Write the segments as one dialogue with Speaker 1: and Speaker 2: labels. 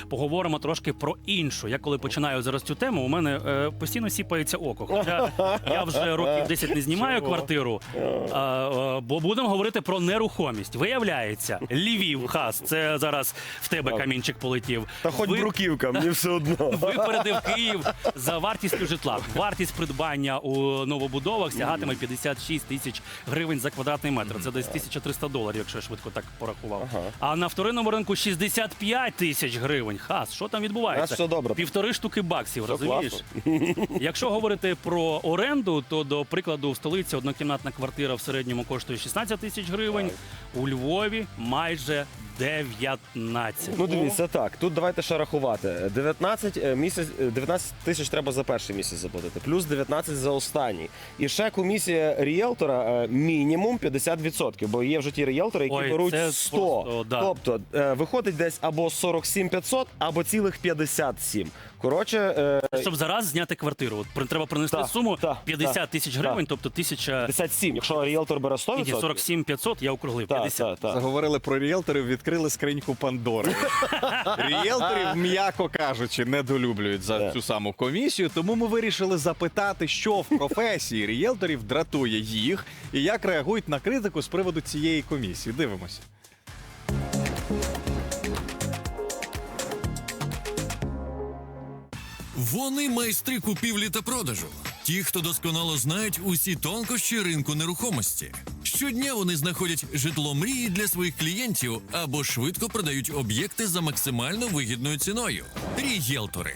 Speaker 1: поговоримо трошки про іншу. Я коли починаю зараз цю тему, у мене постійно сіпається око. Хоча я вже років 10 не знімаю квартиру, бо будемо говорити про нерухомість. Виявляється, Львів, Хас, це зараз в тебе камінчик полетів.
Speaker 2: Та хоч бруківка, мені все одно.
Speaker 1: Випередив Київ за вартістю житла. Вартість придбання у новобудовах сягатиме 56 тисяч гривень за квадратний метр. Це десь $1300, якщо я швидко так порахував. А на вторинному ринку 65 тисяч гривень. Хас, що там відбувається?
Speaker 2: Все добре.
Speaker 1: 1,5 штуки баксів,
Speaker 2: Все
Speaker 1: розумієш? Якщо говорити про оренду, то, до прикладу, в столиці однокімнатна квартира в середньому коштує 16 тисяч гривень, у Львові майже 19.
Speaker 2: Ну дивіться, так, тут давайте ще рахувати. 19 тисяч треба за перший місяць заплатити, плюс 19 за останній. І ще комісія ріелтора мінімум 50%, бо є вже ті ріелтори, які беруть 100.
Speaker 1: Просто, да.
Speaker 2: Тобто виходить десь або 47 500, або цілих 57. Коротше...
Speaker 1: Щоб зараз зняти квартиру, от треба принести суму 50 тисяч гривень, тобто
Speaker 2: 57, якщо ріелтор бере 100%.
Speaker 1: Ні, 47 500, я округлив, 50.
Speaker 3: Заговорили про ріелторів, відкрили скриньку Пандори. Ріелторів, м'яко кажучи, недолюблюють за цю саму комісію, тому ми вирішили запитати, що в професії ріелторів дратує їх і як реагують на критику з приводу цієї комісії. Дивимося.
Speaker 4: Вони майстри купівлі та продажу. Ті, хто досконало знають усі тонкощі ринку нерухомості. Щодня вони знаходять житло мрії для своїх клієнтів або швидко продають об'єкти за максимально вигідною ціною. Рієлтори.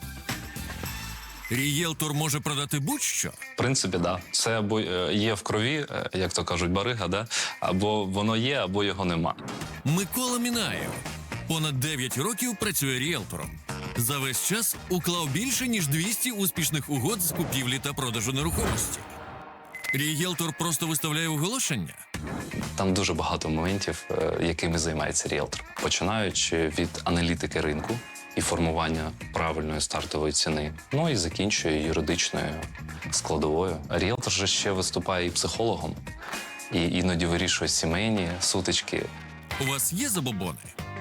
Speaker 4: Рієлтор може продати будь-що?
Speaker 5: В принципі, да. Це або є в крові, як то кажуть, барига, да? Або воно є, або його нема.
Speaker 4: Микола Мінаєв. Понад 9 років працює ріелтором. За весь час уклав більше, ніж 200 успішних угод з купівлі та продажу нерухомості. Рієлтор просто виставляє оголошення?
Speaker 5: Там дуже багато моментів, якими займається ріелтор. Починаючи від аналітики ринку і формування правильної стартової ціни, ну і закінчує юридичною складовою. Ріелтор же ще виступає і психологом, і іноді вирішує сімейні сутички.
Speaker 4: У вас є забобони?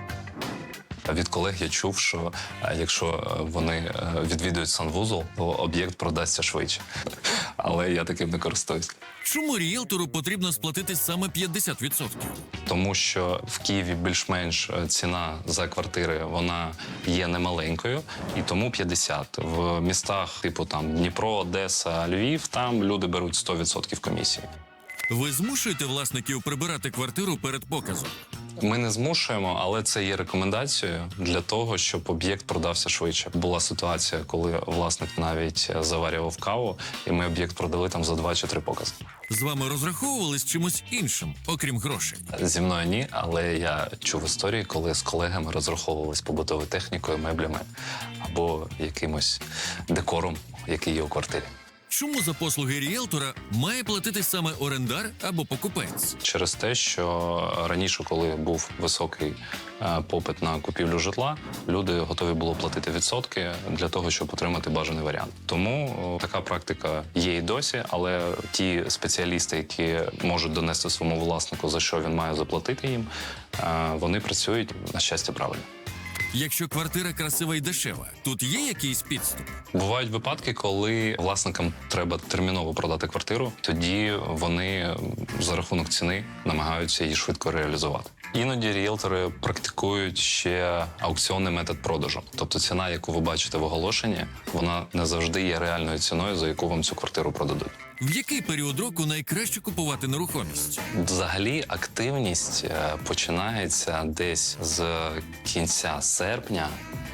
Speaker 5: Від колег я чув, що якщо вони відвідують санвузол, то об'єкт продасться швидше. Але я таким не користуюсь.
Speaker 4: Чому ріелтору потрібно сплатити саме 50%?
Speaker 5: Тому що в Києві більш-менш ціна за квартири, вона є немаленькою, і тому 50. В містах типу там Дніпро, Одеса, Львів, там люди беруть 100% комісії.
Speaker 4: Ви змушуєте власників прибирати квартиру перед показом?
Speaker 5: Ми не змушуємо, але це є рекомендацією для того, щоб об'єкт продався швидше. Була ситуація, коли власник навіть заварював каву, і ми об'єкт продали там за 2 чи 3 покази.
Speaker 4: З вами розраховували з чимось іншим, окрім грошей?
Speaker 5: Зі мною ні, але я чув історії, коли з колегами розраховувались побутовою технікою, меблями або якимось декором, який є у квартирі.
Speaker 4: Чому за послуги ріелтора має платити саме орендар або покупець?
Speaker 5: Через те, що раніше, коли був високий попит на купівлю житла, люди готові були платити відсотки для того, щоб отримати бажаний варіант. Тому така практика є і досі, але ті спеціалісти, які можуть донести своєму власнику, за що він має заплатити їм, вони працюють, на щастя, правильно.
Speaker 4: Якщо квартира красива і дешева, тут є якийсь підступ?
Speaker 5: Бувають випадки, коли власникам треба терміново продати квартиру, тоді вони за рахунок ціни намагаються її швидко реалізувати. Іноді ріелтори практикують ще аукціонний метод продажу. Тобто ціна, яку ви бачите в оголошенні, вона не завжди є реальною ціною, за яку вам цю квартиру продадуть.
Speaker 4: В який період року найкраще купувати нерухомість?
Speaker 5: Взагалі активність починається десь з кінця серпня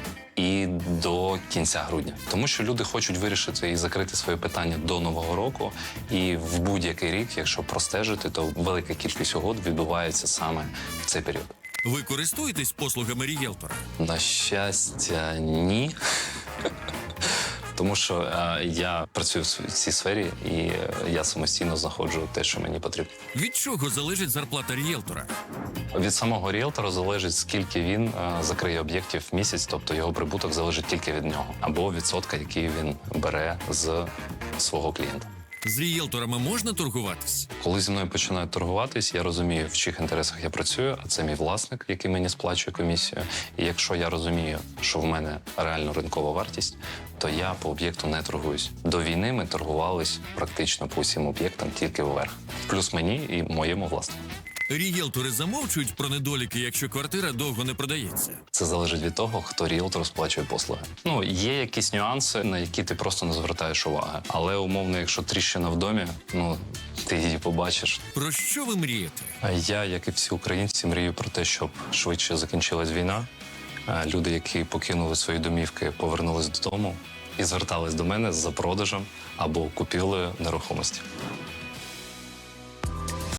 Speaker 5: і до кінця грудня. Тому що люди хочуть вирішити і закрити свої питання до Нового року. І в будь-який рік, якщо простежити, то велика кількість угод відбувається саме в цей період.
Speaker 4: Ви користуєтесь послугами ріелтора?
Speaker 5: На щастя, ні. Тому що я працюю в цій сфері, і я самостійно знаходжу те, що мені потрібно.
Speaker 4: Від чого залежить зарплата ріелтора?
Speaker 5: Від самого ріелтора залежить, скільки він закриє об'єктів в місяць, тобто його прибуток залежить тільки від нього. Або відсотка, який він бере з свого клієнта.
Speaker 4: З рієлторами можна торгуватись?
Speaker 5: Коли зі мною починають торгуватись, я розумію, в чиїх інтересах я працюю, а це мій власник, який мені сплачує комісію. І якщо я розумію, що в мене реально ринкова вартість, то я по об'єкту не торгуюсь. До війни ми торгувались практично по усім об'єктам тільки вверх. Плюс мені і моєму власнику.
Speaker 4: Рієлтори замовчують про недоліки, якщо квартира довго не продається.
Speaker 5: Це залежить від того, хто ріелтор сплачує послуги. Ну, є якісь нюанси, на які ти просто не звертаєш уваги. Але умовно, якщо тріщина в домі, ну ти її побачиш.
Speaker 4: Про що ви мрієте?
Speaker 5: А я, як і всі українці, мрію про те, щоб швидше закінчилась війна. Люди, які покинули свої домівки, повернулись додому і звертались до мене за продажем або купівлею нерухомості.